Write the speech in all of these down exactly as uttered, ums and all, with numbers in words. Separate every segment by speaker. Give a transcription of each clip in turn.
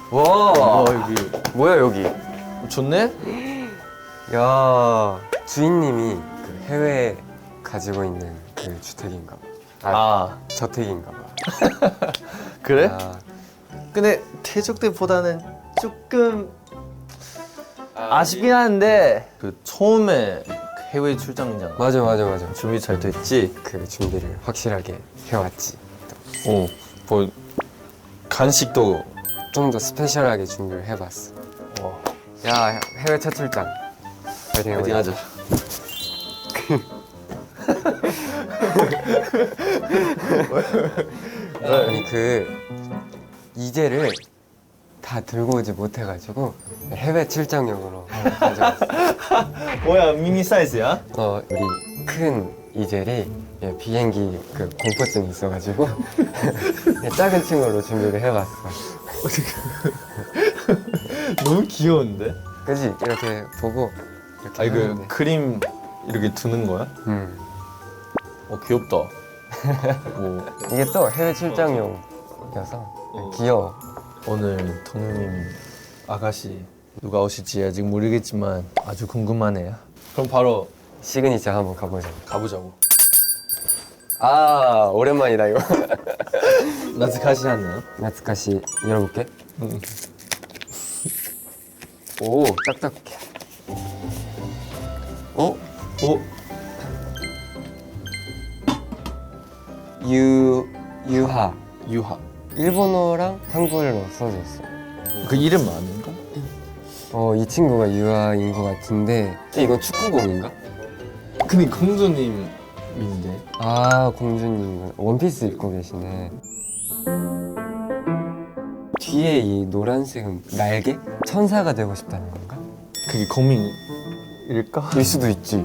Speaker 1: 와,
Speaker 2: 와 여기
Speaker 1: 뭐야 여기?
Speaker 2: 좋네?
Speaker 1: 야, 주인님이 그 해외에 가지고 있는 그 주택인가 봐. 아,
Speaker 2: 아
Speaker 1: 저택인가 봐.
Speaker 2: 그래?
Speaker 1: 야,
Speaker 2: 근데 태적대보다는 조금 아쉽긴 한데 그 처음에 해외 출장이잖아.
Speaker 1: 맞아 맞아 맞아.
Speaker 2: 준비 잘 됐지?
Speaker 1: 그 준비를 확실하게 해왔지.
Speaker 2: 오, 뭐 간식도.
Speaker 1: 좀 더 스페셜하게 준비를 해봤어.
Speaker 2: 와,
Speaker 1: 야, 해외 첫 출장. 파이팅
Speaker 2: 파이팅
Speaker 1: 해보자.
Speaker 2: 하자.
Speaker 1: 아니 그 이제를 다 들고 오지 못해가지고 해외 출장용으로 가져왔어.
Speaker 2: 뭐야 미니 사이즈야?
Speaker 1: 어, 우리 큰 이젤이 예, 비행기 그 공포증이 있어가지고 작은 친구로 준비를 해봤어.
Speaker 2: 너무 귀여운데?
Speaker 1: 그지? 이렇게 보고 이렇게
Speaker 2: 아니 그
Speaker 1: 하는데.
Speaker 2: 그림 이렇게 두는 거야?
Speaker 1: 음.
Speaker 2: 어 귀엽다. 뭐
Speaker 1: 이게 또 해외 출장용이어서 귀여워.
Speaker 2: 오늘 동현님 아가씨 누가 오실지 아직 모르겠지만 아주 궁금하네요. 그럼 바로
Speaker 1: 시그니처 한번 가보자.
Speaker 2: 가보자고.
Speaker 1: 아, 오랜만이다 이거.
Speaker 2: 나츠카시하네요.
Speaker 1: 나츠카시 열어볼게.
Speaker 2: 응.
Speaker 1: 오, 딱딱해. 어?
Speaker 2: 오,
Speaker 1: 유 유하.
Speaker 2: 유하.
Speaker 1: 일본어랑 한글로 써져 있어.
Speaker 2: 그 이름 아닌가?
Speaker 1: 어, 이 친구가 유하인 것 같은데 이건 축구공인가?
Speaker 2: 근데 공주님인데.
Speaker 1: 아, 공주님 원피스 입고 계시네. 뒤에 이 노란색은 날개? 천사가 되고 싶다는 건가?
Speaker 2: 그게 거민일까?
Speaker 1: 일 수도 있지.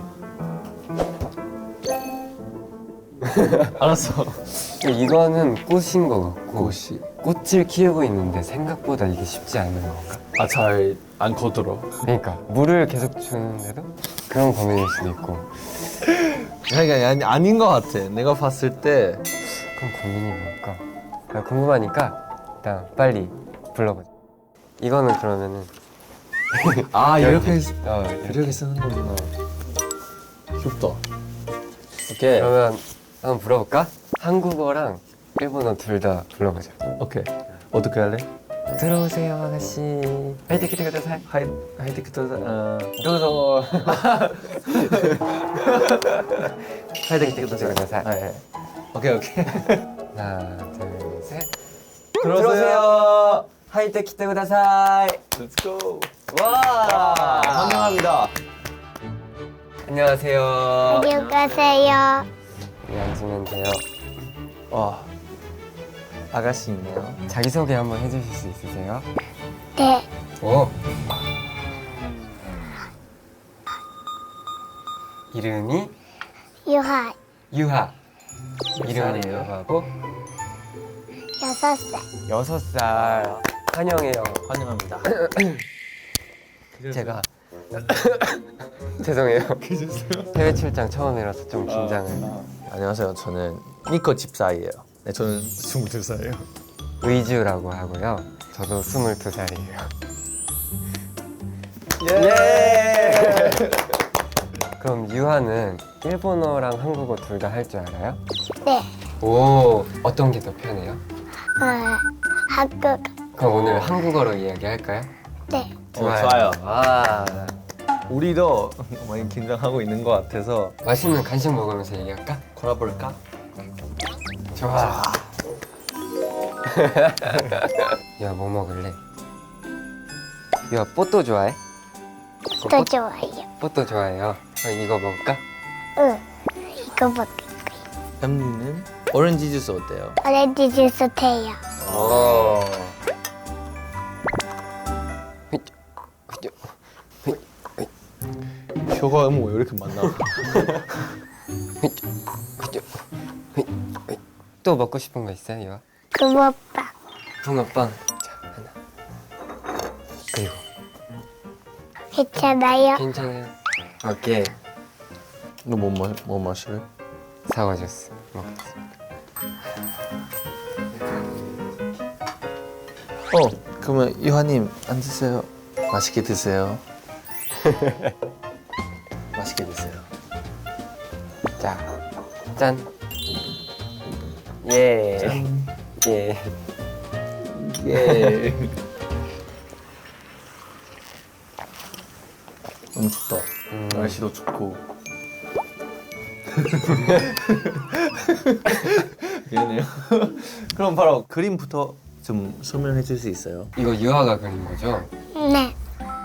Speaker 2: 알았어.
Speaker 1: 이거는 꽃인 것 같고
Speaker 2: 꽃이.
Speaker 1: 꽃을 키우고 있는데 생각보다 이게 쉽지 않은 건가?
Speaker 2: 아, 잘 안 커들어.
Speaker 1: 그러니까 물을 계속 주는데도 그런 고민일 수도 있고.
Speaker 2: 그러니까 아니, 아닌 것 같아. 내가 봤을 때.
Speaker 1: 그럼 고민이 뭘까? 나 궁금하니까 일단 빨리 불러보자. 이거는 그러면은
Speaker 2: 아, 이렇게,
Speaker 1: 어,
Speaker 2: 이렇게 쓰는 거구나. 귀엽다. 오케이.
Speaker 1: 그러면 한번 불러볼까? 한국어랑 일본어 둘 다 불러보자.
Speaker 2: 오케이. 어떻게 할래?
Speaker 1: 들어오세요 아가씨. 화이팅 키트ください.
Speaker 2: 하이, 하이테크도, 어.
Speaker 1: 도우ぞ. 화이팅 키트ください.
Speaker 2: 아, 예. 오케이, 오케이.
Speaker 1: 하나 둘 셋.
Speaker 2: 들어오세요.
Speaker 1: 화이팅 키트ください.
Speaker 2: Let's go.
Speaker 1: 와.
Speaker 2: 환영합니다.
Speaker 1: 안녕하세요.
Speaker 3: 안녕하세요.
Speaker 1: 여기 앉으면 돼요.
Speaker 2: 와. 아가씨 있네요.
Speaker 1: 자기소개 한번 해주실 수 있으세요?
Speaker 3: 네,
Speaker 1: 오. 이름이
Speaker 3: 유하
Speaker 1: 유하.
Speaker 2: 몇
Speaker 1: 이름이
Speaker 2: 살이에요?
Speaker 1: 유하고
Speaker 3: 여섯 살.
Speaker 1: 여섯 살. 환영해요.
Speaker 2: 환영합니다.
Speaker 1: 제가 죄송해요. 해외 출장 처음이라서 좀 긴장을.
Speaker 2: 안녕하세요. 저는 니코 집사이에요. 네, 저는 스물두 살이에요.
Speaker 1: 의주라고 하고요. 저도 스물두 살이에요.
Speaker 2: 예!
Speaker 1: 그럼 유하는 일본어랑 한국어 둘 다 할 줄 알아요?
Speaker 3: 네,
Speaker 1: 오, 어떤 게 더 편해요?
Speaker 3: 어, 한국.
Speaker 1: 그럼 오늘 한국어로 이야기할까요?
Speaker 3: 네,
Speaker 2: 어, 좋아요.
Speaker 1: 아,
Speaker 2: 우리도 많이 긴장하고 있는 것 같아서
Speaker 1: 맛있는 간식 먹으면서 얘기할까?
Speaker 2: 걸어볼까?
Speaker 1: 좋아. 야, 뭐 먹을래? 야, 뽀또 좋아해?
Speaker 3: 또 좋아요.
Speaker 1: 뽀또 좋아해요. 그럼 이거 먹을까?
Speaker 3: 응, 이거 먹을 거예요.
Speaker 2: 엠니는 오렌지 주스 어때요?
Speaker 3: 오렌지 주스 돼요.
Speaker 1: 오.
Speaker 2: 혀가 뭐 왜 이렇게 많나?
Speaker 1: 또 먹고 싶은 거 있어요, 유하?
Speaker 3: 붕어빵.
Speaker 1: 붕어빵. 자, 하나. 그리고
Speaker 3: 괜찮아요?
Speaker 1: 괜찮아요. 오케이.
Speaker 2: 너뭐 뭐, 뭐 마실래?
Speaker 1: 사과 주스 먹겠습니다.
Speaker 2: 어, 그러면 유하님 앉으세요. 맛있게 드세요. 맛있게 드세요.
Speaker 1: 자, 짠. 예. 예.
Speaker 2: 예. 너무 춥다.
Speaker 1: 음.
Speaker 2: 날씨도 춥고. 미안해요. 그럼 바로 그림부터 좀 설명해 줄 수 있어요?
Speaker 1: 이거 유아가 그린 거죠?
Speaker 3: 네.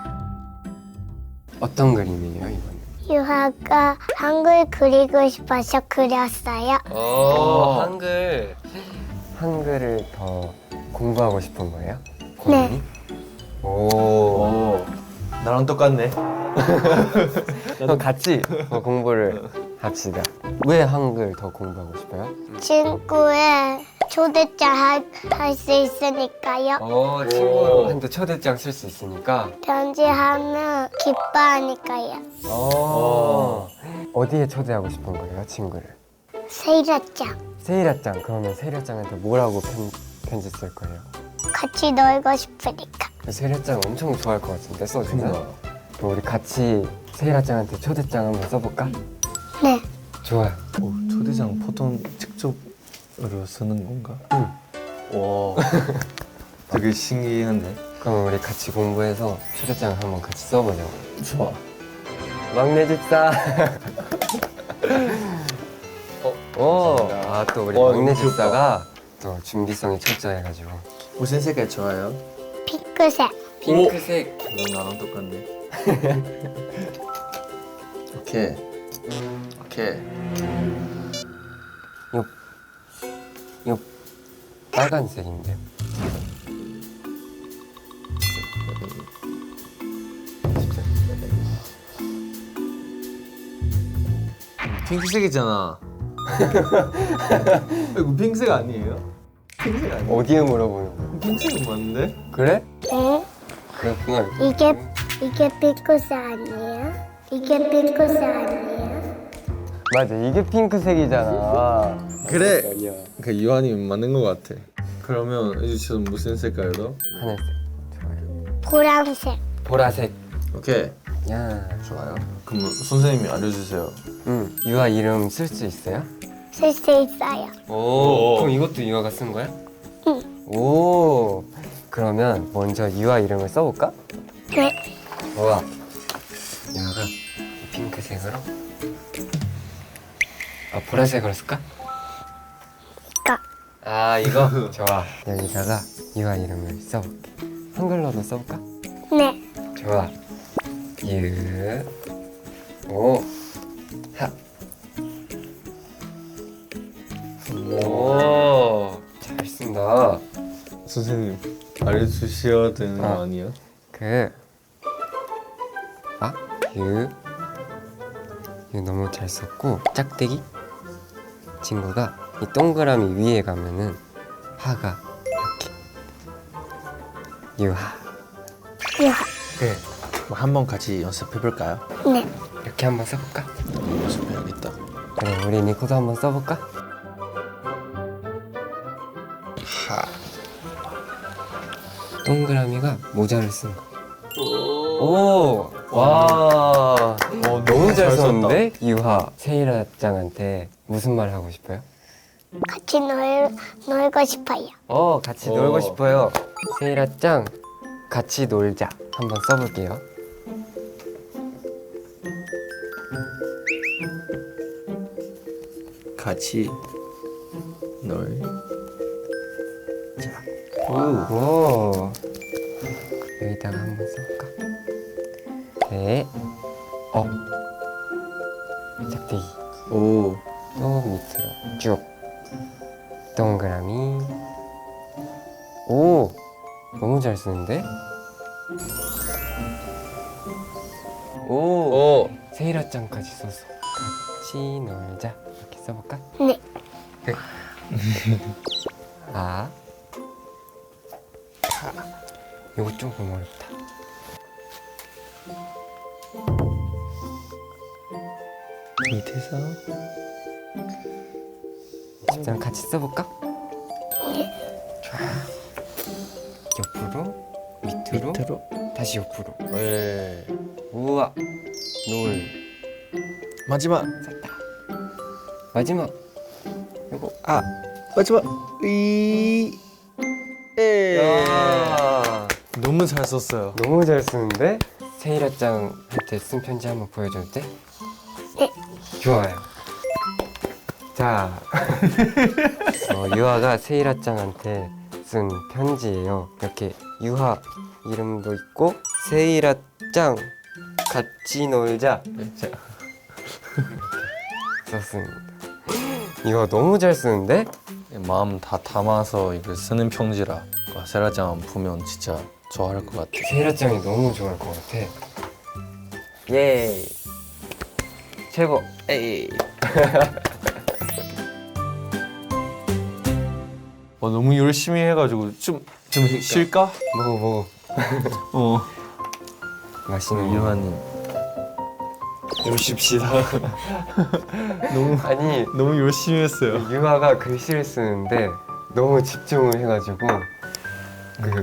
Speaker 1: 어떤 그림이에요, 이거는?
Speaker 3: 유아가 한글 그리고 싶어서 그렸어요.
Speaker 1: 오, 한글. 한글을 더 공부하고 싶은 거예요? 고민이? 오.
Speaker 2: 오, 나랑 똑같네.
Speaker 1: 그럼 같이 어, 공부를 합시다. 왜 한글 더 공부하고 싶어요?
Speaker 3: 친구의 초대장 할 수 있으니까요.
Speaker 1: 어, 친구한테 초대장 쓸 수 있으니까.
Speaker 3: 편지하면 기뻐하니까요.
Speaker 1: 어. 어디에 초대하고 싶은 거예요, 친구를?
Speaker 3: 세일장
Speaker 1: 세일아짱. 그러면 세일아짱한테 뭐라고 편, 편지 쓸 거예요?
Speaker 3: 같이 놀고 싶으니까.
Speaker 1: 세일아짱 엄청 좋아할 것 같은데 써주면?
Speaker 2: 그러니까.
Speaker 1: 그럼 우리 같이 세일아짱한테 초대장 한번 써볼까?
Speaker 3: 네.
Speaker 1: 좋아요.
Speaker 2: 오, 초대장 보통 직접으로 쓰는 건가?
Speaker 1: 응.
Speaker 2: 와, 되게 신기한데.
Speaker 1: 그럼 우리 같이 공부해서 초대장 한번 같이 써보자고.
Speaker 2: 좋아.
Speaker 1: 막내 집사. 어, 오, 아, 또 우리
Speaker 2: 와,
Speaker 1: 막내
Speaker 2: 너무 귀엽다.
Speaker 1: 집사가 또 준비성이 철저해가지고.
Speaker 2: 무슨 색깔 좋아요?
Speaker 3: 핑크색.
Speaker 1: 핑크색.
Speaker 2: 너 나랑 똑같네. 오케이. 오케이.
Speaker 1: 요, 요 빨간색인데.
Speaker 2: 핑크색이잖아. 이거 핑크색 아니에요? 핑크색 아니에요?
Speaker 1: 어디에 물어보는 거야?
Speaker 2: 핑크색은 맞는데?
Speaker 1: 그래?
Speaker 3: 응?
Speaker 1: 그렇구나.
Speaker 3: 이게 이게 핑크색 아니에요? 이게 핑크색 아니에요?
Speaker 1: 맞아, 이게 핑크색이잖아.
Speaker 2: 그래.
Speaker 1: 아니야.
Speaker 2: 그 유한이 맞는 것 같아. 그러면 이제 지금 무슨 색깔로?
Speaker 1: 하늘색. 좋아요.
Speaker 3: 보라색.
Speaker 1: 보라색.
Speaker 2: 오케이.
Speaker 1: 야.
Speaker 2: 좋아요. 그럼 선생님이 알려주세요.
Speaker 1: 응. 유아 이름 쓸 수 있어요?
Speaker 3: 쓸 수 있어요.
Speaker 1: 오. 그럼 이것도 유아가 쓴 거야?
Speaker 3: 응.
Speaker 1: 오. 그러면 먼저 유아 이름을 써볼까?
Speaker 3: 네.
Speaker 1: 좋아. 유아가 핑크색으로. 아, 보라색으로 쓸까?
Speaker 3: 이거.
Speaker 1: 아, 이거? 좋아. 여기다가 유아 이름을 써볼게. 한글로도 써볼까?
Speaker 3: 네.
Speaker 1: 좋아. 유. 오. 하. 오. 잘 쓴다.
Speaker 2: 선생님 알려주셔야 되는 거
Speaker 1: 어.
Speaker 2: 아니에요?
Speaker 1: 그. 아? 유. 유 너무 잘 썼고, 짝대기? 친구가 이 동그라미 위에 가면은 하가 이렇게. 유하.
Speaker 3: 유아.
Speaker 1: 그래.
Speaker 2: 뭐 한번 같이 연습해 볼까요?
Speaker 3: 네.
Speaker 1: 이렇게 한번 써볼까?
Speaker 2: 연습해야겠다.
Speaker 1: 그래, 우리 니코도 한번 써볼까?
Speaker 2: 하.
Speaker 1: 동그라미가 모자를 쓴 거. 오, 와,
Speaker 2: 너무
Speaker 1: 너무 잘
Speaker 2: 잘
Speaker 1: 썼는데? 유하, 세일아짱한테 무슨 말 하고 싶어요?
Speaker 3: 같이 놀 놀고 싶어요.
Speaker 1: 어, 같이
Speaker 2: 오.
Speaker 1: 놀고 싶어요. 세일아짱, 같이 놀자. 한번 써볼게요.
Speaker 2: 같이 놀.
Speaker 1: 오, 오. 여기다가 한번 써볼까? 네, 어, 짝대기.
Speaker 2: 오.
Speaker 1: 또 밑으로 쭉 동그라미. 오, 너무 잘 쓰는데? 오,
Speaker 2: 오.
Speaker 1: 세일아짱까지 썼어. 같이 놀자. 이렇게 써볼까?
Speaker 3: 네.
Speaker 1: 네. 아, 이거 조금 어렵다.
Speaker 2: 밑에서.
Speaker 1: 집사람 같이 써볼까? 좋아. 옆으로 밑으로,
Speaker 2: 밑으로.
Speaker 1: 다시 옆으로.
Speaker 2: 예.
Speaker 1: 우와. 노을.
Speaker 2: 마지막.
Speaker 1: 마지막. 이거.
Speaker 2: 아 마지막. 이. 에.
Speaker 1: 야.
Speaker 2: 너무 잘 썼어요.
Speaker 1: 너무 잘 쓰는데? 세이라짱한테 쓴 편지 한번 보여줘도 돼?
Speaker 3: 네.
Speaker 1: 좋아요. 자, 어, 유아가 세이라짱한테 쓴 편지예요. 이렇게 유아 이름도 있고 세이라짱 같이 놀자
Speaker 2: 자,
Speaker 1: 썼습니다. 이거 너무 잘 쓰는데?
Speaker 2: 마음 다 담아서 이걸 쓰는 편지라 세라짱 보면 진짜 좋아할 것 같아.
Speaker 1: 세이라짱이 너무 좋아할 것 같아. 예. 최고.
Speaker 2: 에이. 어, 너무 열심히 해가지고 좀 좀 쉴까?
Speaker 1: 먹어 먹어.
Speaker 2: 어.
Speaker 1: 맛있는 거.
Speaker 2: 유한님. 좀 쉽시다. 너무
Speaker 1: 아니
Speaker 2: 너무 열심히 했어요.
Speaker 1: 유아가 글씨를 쓰는데 너무 집중을 해가지고 그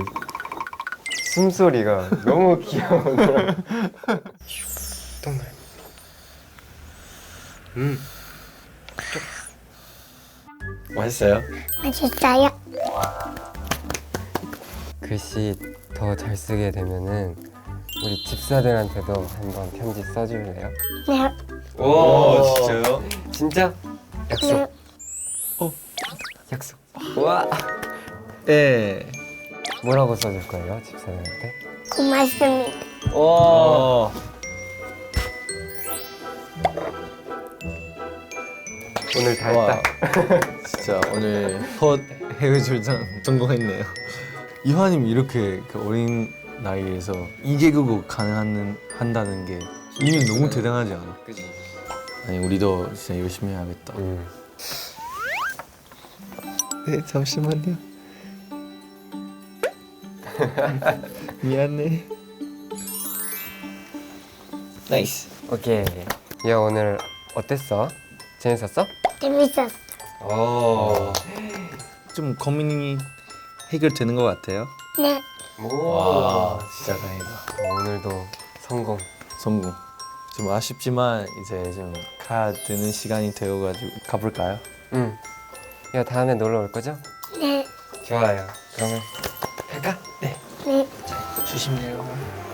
Speaker 1: 숨소리가 너무 귀여워요. 정말. 음.
Speaker 2: 맛있어요?
Speaker 3: 맛있어요.
Speaker 1: 글씨 더 잘 쓰게 되면은 우리 집사들한테도 한번 편지 써줄래요?
Speaker 3: 네.
Speaker 2: 오, 진짜요?
Speaker 1: 진짜? 약속.
Speaker 3: 네.
Speaker 2: 어.
Speaker 1: 약속. 와.
Speaker 2: 예.
Speaker 1: 뭐라고 써줄 거예요, 집사들한테?
Speaker 3: 고맙습니다.
Speaker 2: 오.
Speaker 1: 오늘 다
Speaker 2: 와.
Speaker 1: 했다.
Speaker 2: 진짜 오늘 첫 해외 출장 성공했네요. 이화님 이렇게 그 어린 나이에서 이 개국어 가능한 한다는 게 이미 너무 대단하지 않아?
Speaker 1: 그지.
Speaker 2: 아니 우리도 진짜 열심히 해야겠다.
Speaker 1: 음.
Speaker 2: 네 잠시만요. 미안해. 나이스.
Speaker 1: 오케이. 야 오늘 어땠어? 재밌었어?
Speaker 3: 재밌었어.
Speaker 1: 오.
Speaker 2: 좀 고민이 해결되는 것 같아요.
Speaker 3: 네.
Speaker 2: 와 진짜 다행이다.
Speaker 1: 오늘도 성공.
Speaker 2: 성공. 좀 아쉽지만 이제 좀 가야 되는 시간이 되어가지고 가볼까요?
Speaker 1: 응. 야 다음에 놀러 올 거죠?
Speaker 3: 네.
Speaker 1: 좋아요. 그러면 갈까? 네.
Speaker 3: 네.
Speaker 2: 조심히 내려가.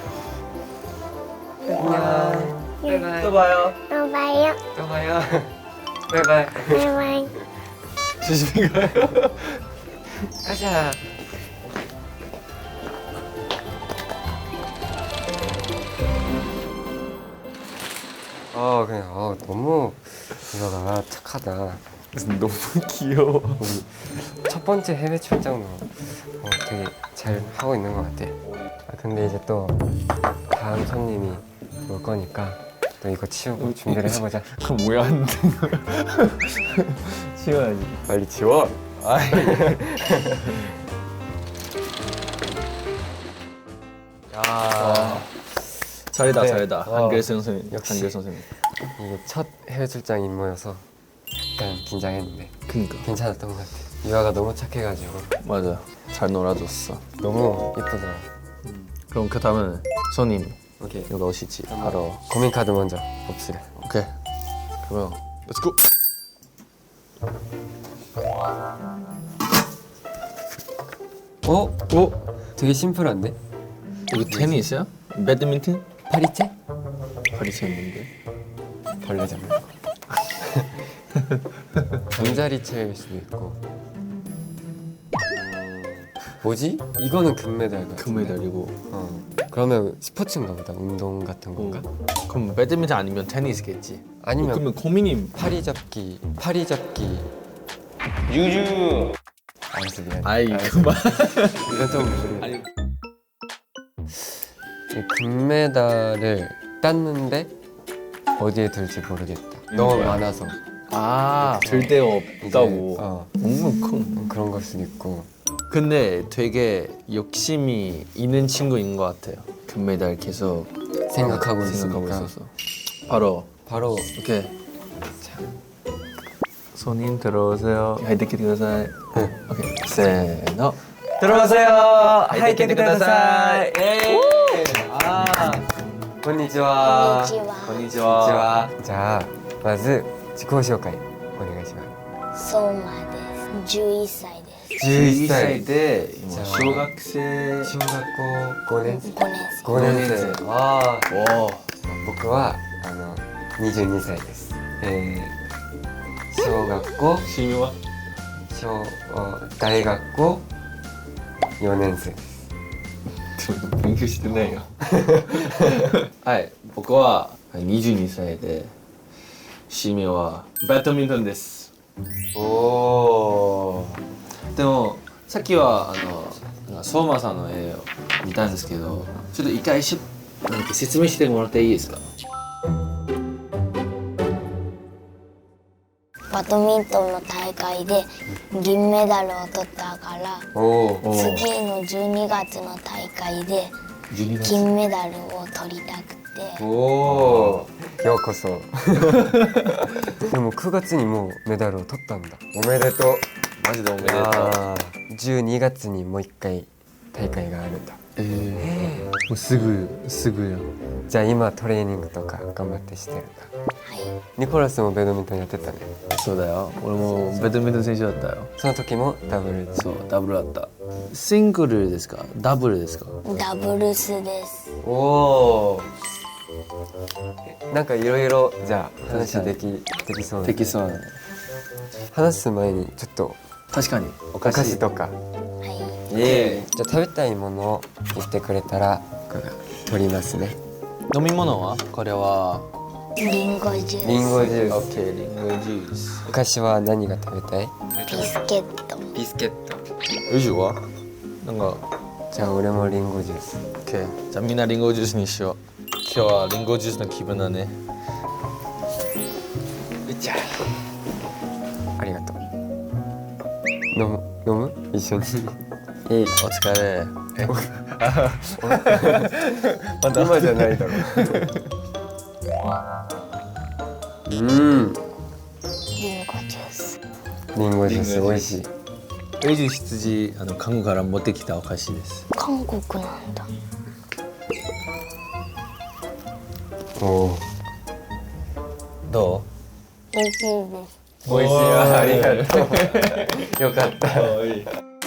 Speaker 1: 안녕. 바이바이.
Speaker 2: 또 봐요.
Speaker 3: 또 봐요.
Speaker 1: 또 봐요. 바이바이.
Speaker 3: 바이바이.
Speaker 2: 조심히 가요.
Speaker 1: 가자. 어 그냥 어 너무 이거가 착하다.
Speaker 2: 너무 귀여워.
Speaker 1: 첫 번째 해외 출장도 어, 되게 잘 하고 있는 것 같아. 아, 근데 이제 또 다음 손님이 올 거니까 또 이거 치우고 준비를 해보자.
Speaker 2: 그럼 왜 안 되는 거야? 치워야지.
Speaker 1: 빨리 치워.
Speaker 2: 아이.
Speaker 1: 야
Speaker 2: 잘했다
Speaker 1: 네.
Speaker 2: 잘했다.
Speaker 1: 어.
Speaker 2: 한글 선생님.
Speaker 1: 역시.
Speaker 2: 한글 선생님.
Speaker 1: 이게 첫 해외 출장 임무여서 약간 긴장했는데
Speaker 2: 그니까.
Speaker 1: 괜찮았던 것 같아. 유아가 너무 착해가지고
Speaker 2: 맞아. 잘 놀아줬어.
Speaker 1: 너무 예쁘더라.
Speaker 2: 그럼 그 다음은 손님
Speaker 1: 오케이.
Speaker 2: 여기 오시지. 바로.
Speaker 1: 고민 카드 먼저 봅시다.
Speaker 2: 오케이. 그러면 Let's go.
Speaker 1: 어? 어? 되게 심플한데?
Speaker 2: 여기 테니스야? 배드민턴?
Speaker 1: 파리채?
Speaker 2: 파리채 있는데.
Speaker 1: 벌레 잡는 거. 잠자리채일 수도 있고. 뭐지? 이거는 금메달 같은데?
Speaker 2: 금메달이고.
Speaker 1: 어. 그러면 스포츠인가 보다. 운동 같은 건가?
Speaker 2: 그럼 배드민턴 아니면 테니스겠지.
Speaker 1: 아니면
Speaker 2: 그러면 고민이
Speaker 1: 파리 잡기, 파리 잡기.
Speaker 2: 유주.
Speaker 1: 알았어 미안.
Speaker 2: 아이 그만.
Speaker 1: 이건 좀
Speaker 2: 아니.
Speaker 1: 이 금메달을 땄는데 어디에 둘지 모르겠다. 너무
Speaker 2: 거야?
Speaker 1: 많아서.
Speaker 2: 아, 절대
Speaker 1: 이제,
Speaker 2: 없다고.
Speaker 1: 어,
Speaker 2: 너무 큰.
Speaker 1: 그런 걸 수도 있고.
Speaker 2: 근데 되게 욕심이 있는 친구인 것 같아요. 금메달 계속
Speaker 1: 생각하고
Speaker 2: 생각하고
Speaker 1: 있으니까.
Speaker 2: 있어서. 바로
Speaker 1: 바로
Speaker 2: 오케이. 손님 들어오세요. 하이데키ください. 오케이. 세너.
Speaker 1: 들어오세요.
Speaker 2: 하이 켜てください. 아,
Speaker 1: こんにちは。
Speaker 3: こんにちは。
Speaker 2: こんにちは。
Speaker 1: じゃあまず自己紹介お願いしま
Speaker 3: 相馬です。じゅういっさいです。
Speaker 1: す。じゅういっさ
Speaker 2: 歳
Speaker 1: い。
Speaker 2: で今小学生。
Speaker 1: 小学校ごねん生。
Speaker 3: ごねん生。
Speaker 1: ごねん生。ああ。
Speaker 2: おお。
Speaker 1: 僕はあのにじゅうにさいです。えー、小学校
Speaker 2: シミは？
Speaker 1: 小大学校よねん生です。
Speaker 2: 勉強してないよ。はい、僕はにじゅうにさいで、趣味はバドミントンです。
Speaker 1: おお。
Speaker 2: でもさっきはあのなんか相馬さんの絵を見たんですけど、ちょっと一回しなんか説明してもらっていいですか？
Speaker 3: バドミントンの大会で銀メダルを取ったから
Speaker 1: おお。
Speaker 3: 次のじゅうにがつの大会で
Speaker 2: じゅうにがつ。
Speaker 3: 金メダルを取りたくて
Speaker 1: おお。ようこそ。でもくがつにもうメダルを取ったんだ。おめでとう。
Speaker 2: マジでおめでとう。
Speaker 1: あーじゅうにがつにもう一回大会があるんだ。
Speaker 2: えー、もうすぐすぐやん。
Speaker 1: じゃあ今トレーニングとか頑張ってしてるんだ。
Speaker 3: はい
Speaker 1: ニコラスもバドミントンやってたね。
Speaker 2: そうだよ。俺もバドミントン選手だったよ。
Speaker 1: その時もダブルで。
Speaker 2: そう、ダブルだった。シングルですか？ダブルですか？
Speaker 3: ダブルスです
Speaker 1: おお。なんかいろいろじゃあ話できできそうな。
Speaker 2: できそうだね。
Speaker 1: 話す前にちょっと
Speaker 2: 確かに。お
Speaker 1: お菓子とか。
Speaker 3: はい
Speaker 1: ええ。じゃあ食べたいものを言ってくれたら僕が取りますね。
Speaker 2: 飲み物は？これは
Speaker 3: リンゴジュース
Speaker 1: リンゴジュース。
Speaker 2: オッケー、リンゴジュース。
Speaker 1: お菓子は何が食べたい？
Speaker 3: ビスケット
Speaker 1: ビスケット。
Speaker 2: エジュは？なんか、
Speaker 1: じゃあ俺もリンゴジュース。
Speaker 2: オッケー。じゃあみんなリンゴジュースにしよう。今日はリンゴジュースの気分だね。
Speaker 1: いっちゃありがとう。飲む飲む一緒に。えい。
Speaker 2: お疲れ。え、
Speaker 1: まだ今じゃないだろう。うん。
Speaker 3: リンゴジュース
Speaker 1: リンゴジュース美味しい。
Speaker 2: エジュ羊あの韓国から持ってきたお菓子です。
Speaker 3: 韓国なんだ
Speaker 1: おお。
Speaker 2: ど
Speaker 3: 美味しいです
Speaker 1: 美味しいわ。ありがとう。よかった。
Speaker 2: う？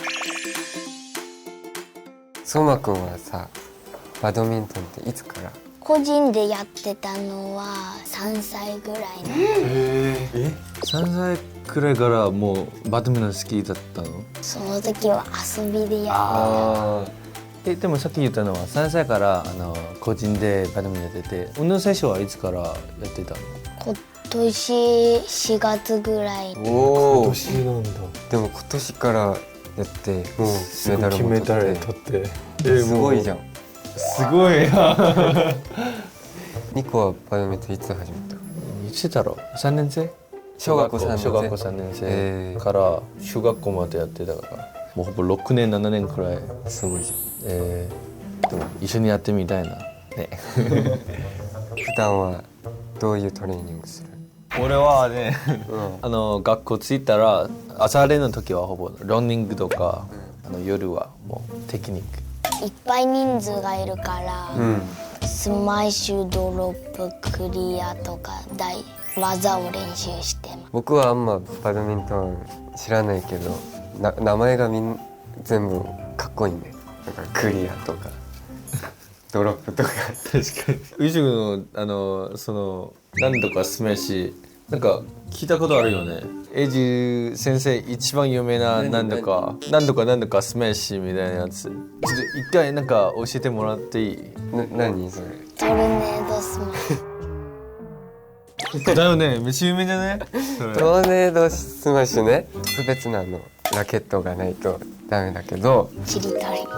Speaker 1: 相馬くんはさ、バドミントンっていつから？
Speaker 3: 個人でやってたのはさんさいぐらいの
Speaker 2: え？さんさいくらいからもうバドミントン好きだったの？
Speaker 3: その時は遊びでやっ
Speaker 1: あ
Speaker 2: え、でもさっき言ったのはさんさいからあの個人でバドミントンやってて、運動選手はいつからやってたの？
Speaker 3: 今年しがつぐらい
Speaker 1: あ。おお。
Speaker 2: なんだ。
Speaker 1: でも今年からやってもうメダルも
Speaker 2: メダル
Speaker 1: 取って。
Speaker 2: 取って。
Speaker 1: すごいじゃん。
Speaker 2: すごいな。
Speaker 1: ニコはバドミントンいつ始めた？
Speaker 2: いつだろう？さんねん生？
Speaker 1: 小学校さんねん生。
Speaker 2: 小学校さんねん
Speaker 1: えー
Speaker 2: 生から中学校までやってたから、もうほぼろくねんななねんくらい。
Speaker 1: すごいじゃん。
Speaker 2: えー、でも一緒にやってみたいな。ね。
Speaker 1: 普段はどういうトレーニングする？
Speaker 2: 俺はね、
Speaker 1: うん
Speaker 2: あの学校着いたら朝練の時はほぼランニングとか、あの夜はもうテクニック。
Speaker 3: いっぱい人数がいるから、
Speaker 1: うん。
Speaker 3: スマッシュドロップクリアとか大技を練習してます
Speaker 1: 僕はあんまバドミントン知らないけど、な名前がみん全部かっこいいね。だからクリアとかドロップとか。
Speaker 2: 確かに。宇宙のあのその何とかスマッシュなんか聞いたことあるよね。エイジ先生一番有名な何とか何とか何とかスマッシュみたいなやつ。ちょっと一回なんか教えてもらっていい？
Speaker 1: な何それ？
Speaker 3: トルネードスマッシュ
Speaker 2: だよね。めっちゃ有名じゃね？それ。
Speaker 1: トーネードスマッシュね。特別なのラケットがないとダメだけど、
Speaker 3: ちりとり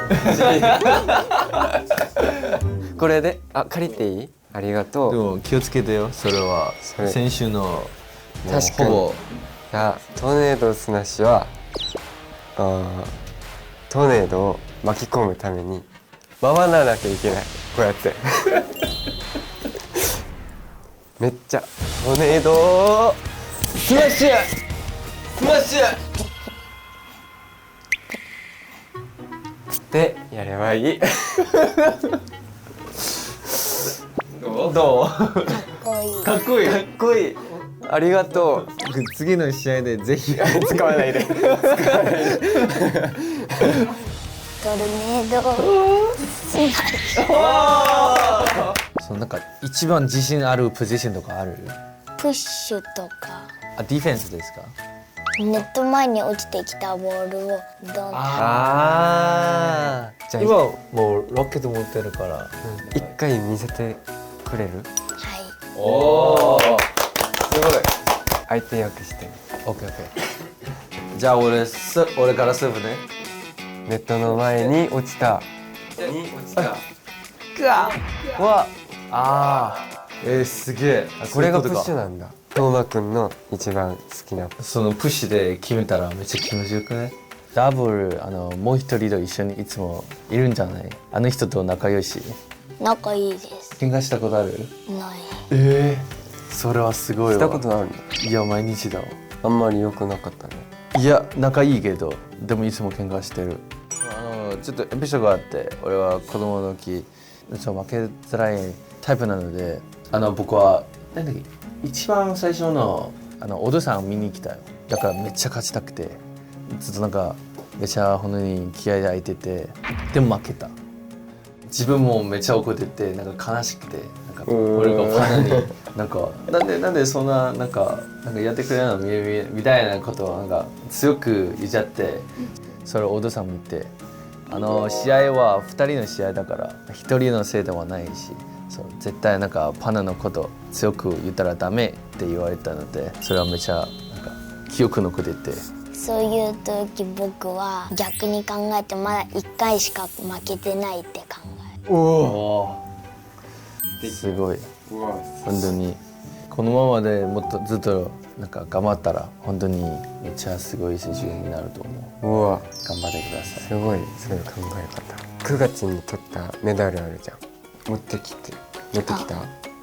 Speaker 1: これであ借りていい？ありがとう。
Speaker 2: でも気をつけてよ。それは
Speaker 1: それ
Speaker 2: 先週のもう
Speaker 1: 確かに
Speaker 2: ほぼ
Speaker 1: じゃあトーネードスマッシュはあートーネードを巻き込むために回らなきゃいけない。こうやってめっちゃトーネードスマッシュスマッシュてやればいい。
Speaker 2: どう？
Speaker 3: かっこいい。
Speaker 2: かっこいい。
Speaker 1: かっこいい。ありがとう。
Speaker 2: 次の試合でぜひ
Speaker 1: 使わないで。
Speaker 3: トルネードスマッシュ。
Speaker 2: そのなんか一番自信あるポジションとかある？
Speaker 3: プッシュとか
Speaker 2: あ、ディフェンスですか？
Speaker 3: ネット前に落ちてきたボールをドン。
Speaker 1: ああ。じゃあ
Speaker 2: 今もうロケット持ってるから。
Speaker 1: 一回見せてくれる？
Speaker 3: はい。
Speaker 2: おお。すごい。
Speaker 1: 相手よくして。
Speaker 2: オッケーオッケー。じゃあ俺す俺からスープね。
Speaker 1: ネットの前に落ちた。に落ちた。
Speaker 2: うわ。ああ。えー、すげえ。
Speaker 1: あこれがプッシュ
Speaker 2: な。
Speaker 1: なんだ。トーマくんの一番好きな。
Speaker 2: そのプッシュで決めたらめっちゃ気持ちよくね。ダブルあのもう一人と一緒にいつもいるんじゃない？あの人と仲良し。
Speaker 3: 仲いいです。
Speaker 2: 喧嘩したことある？
Speaker 3: ない。
Speaker 2: ええー。それはすごいわ。
Speaker 1: したことあるの？
Speaker 2: いや毎日だわ。
Speaker 1: あんまり良くなかったね。
Speaker 2: いや仲いいけどでもいつも喧嘩してる。あのちょっとエピソードがあって俺は子供の時ちょっと負けづらいタイプなのであの僕はなんだっけ一番最初のあのお父さんを見に来たよ。だからめっちゃ勝ちたくてずっとなんかめっちゃ本当に気合い入っててでも負けた。自分もめっちゃ怒っててなんか悲しくてなんか俺がファンになんかなんでなんでそんななんかなんかやってくれるのみみみたいなことをなんか強く言っちゃってそれをお父さん見てあの試合はふたりの試合だからひとりのせいではないしそう絶対なんかパナのこと強く言ったらダメって言われたのでそれはめちゃなんか記憶残ってて
Speaker 3: そういう時僕は逆に考えてまだいっかいしか負けてないって考える。
Speaker 2: おおすごい本当にこのままでもっとずっとなんか頑張ったら本当にめっちゃすごい選手になると思う。
Speaker 1: うわ
Speaker 2: 頑張ってください。
Speaker 1: すごいそういう考え方。くがつに取ったメダルあるじゃん。持ってきて持ってきた？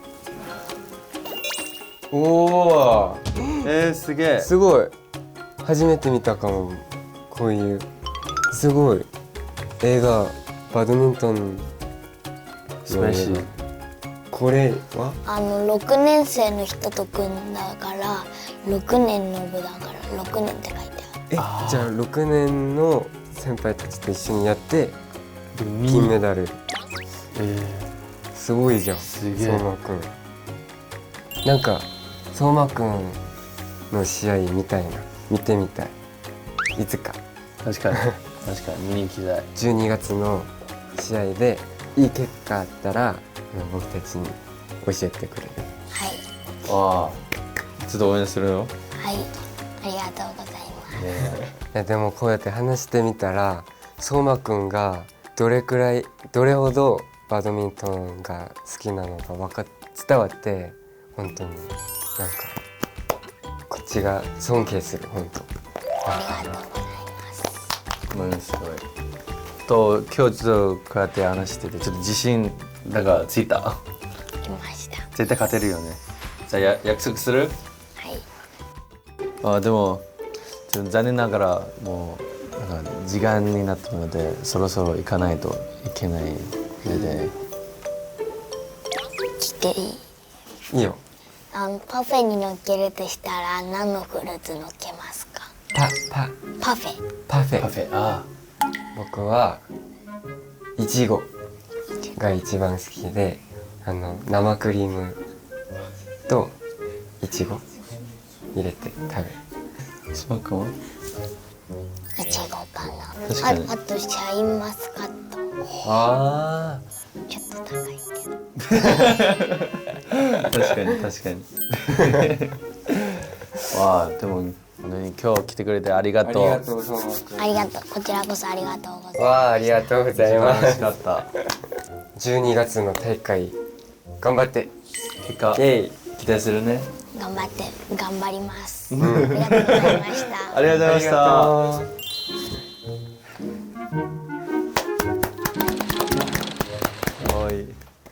Speaker 1: おお
Speaker 2: えー、すげえ。
Speaker 1: すごい初めて見たかも。こういうすごい映画バドミントン
Speaker 2: スマッシュ。
Speaker 1: これは
Speaker 3: あのろくねん生の人と組んだからろくねんの部だからろくねんって書いて
Speaker 1: え
Speaker 2: あー
Speaker 1: じゃあろくねんの先輩たちと一緒にやって
Speaker 2: 金
Speaker 1: 金メダル。
Speaker 2: え
Speaker 1: すごいじゃん
Speaker 2: すげえ
Speaker 1: 相馬くん。なんか相馬くんの試合みたいな見てみたいいつか。
Speaker 2: ー、確かに確かに見に行きたい。
Speaker 1: じゅうにがつの試合でいい結果あったら僕たちに教えてくれる？
Speaker 3: はい
Speaker 2: ああちょっと応援するよ。
Speaker 3: はいありがとうございます。
Speaker 2: ね
Speaker 1: いやでもこうやって話してみたら相馬くんがどれくらいどれほどバドミントンが好きなのか分か伝わって本当になんかこっちが尊敬する本当。
Speaker 3: ありがとうございます。
Speaker 2: ものすごい。と今日ちょっとこうやって話しててちょっと自信だがついた。
Speaker 3: 来ました。
Speaker 2: 絶対勝てるよね。じゃあや約束する？
Speaker 3: はい。
Speaker 2: あでもちょっと残念ながらもうなんか時間になったのでそろそろ行かないといけないので。
Speaker 3: 来ていい？
Speaker 1: いいよ。
Speaker 3: あのパフェに乗っけるとしたら何のフルーツ乗っけますか？
Speaker 1: パパ
Speaker 3: パフェ。
Speaker 1: パフェ
Speaker 2: パフェあ
Speaker 1: 僕はいちごが一番好きであの生クリームといちご入れて食べる。
Speaker 2: あスパークも
Speaker 3: いちごかな。
Speaker 2: 確かに
Speaker 3: ああとシャインマスカット。
Speaker 1: あ
Speaker 3: ちょっと高いけど。
Speaker 2: 確かに確かにわあでも何今日来てくれてありが
Speaker 1: あり
Speaker 2: とう。
Speaker 1: がとう相馬くん。
Speaker 3: ありがとう。こちらこそありがとうございます。
Speaker 1: わあありがとうございま
Speaker 2: 楽し
Speaker 1: す。
Speaker 2: かった。
Speaker 1: じゅうにがつの大会頑張って
Speaker 2: 結果
Speaker 1: イエイ。
Speaker 2: 期待するね。
Speaker 3: 頑張って頑張ります。ありがとうございました。
Speaker 2: ありがとうございました。はい。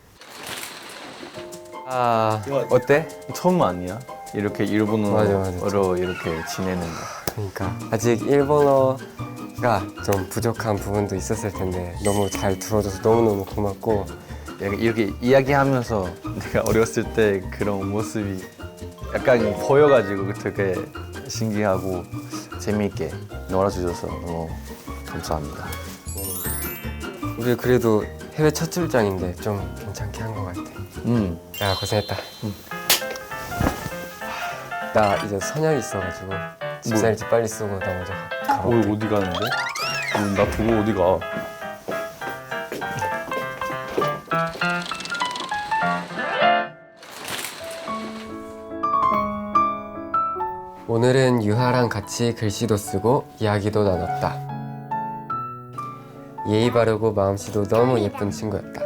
Speaker 1: 아 어때?
Speaker 2: 처음 아니야? 이렇게
Speaker 1: 맞아, 맞아.
Speaker 2: 일본어로 이렇게 지내는 거.
Speaker 1: 그러니까 아직 일본어 좀 부족한 부분도 있었을 텐데 너무 잘 들어줘서 너무너무 고맙고
Speaker 2: 약간 이렇게 이야기하면서 내가 어렸을 때 그런 모습이 약간 보여가지고 되게 신기하고 재미있게 놀아주셔서 너무 감사합니다.
Speaker 1: 우리 그래도 해외 첫 출장인데 좀 괜찮게 한 것 같아.
Speaker 2: 음.
Speaker 1: 야 고생했다. 나 이제 선약이 있어가지고 집사일지 빨리 쓰고 나 먼저 가.
Speaker 2: 어, 어디 가는데? 음, 나 보고 어디 가?
Speaker 1: 오늘은 유하랑 같이 글씨도 쓰고 이야기도 나눴다. 예의 바르고 마음씨도 너무 예쁜 친구였다.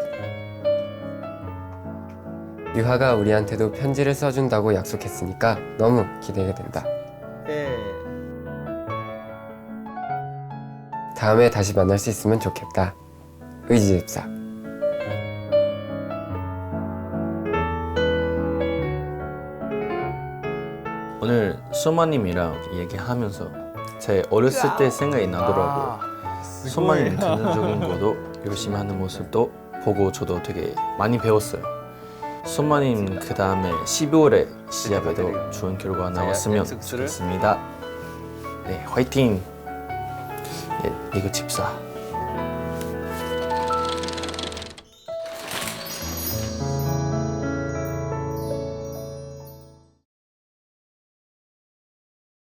Speaker 1: 유하가 우리한테도 편지를 써준다고 약속했으니까 너무 기대가 된다. 다음에 다시 만날 수 있으면 좋겠다. 의지집사.
Speaker 2: 오늘 수마님이랑 얘기하면서 제 어렸을 때 생각이 나더라고요. 수마님 긍정적인 것도 열심히 하는 모습도 보고 저도 되게 많이 배웠어요. 수마님 그 다음에 십이월에 시합에도 좋은 결과 나왔으면 좋겠습니다. 네, 화이팅! 네, 이거 집사.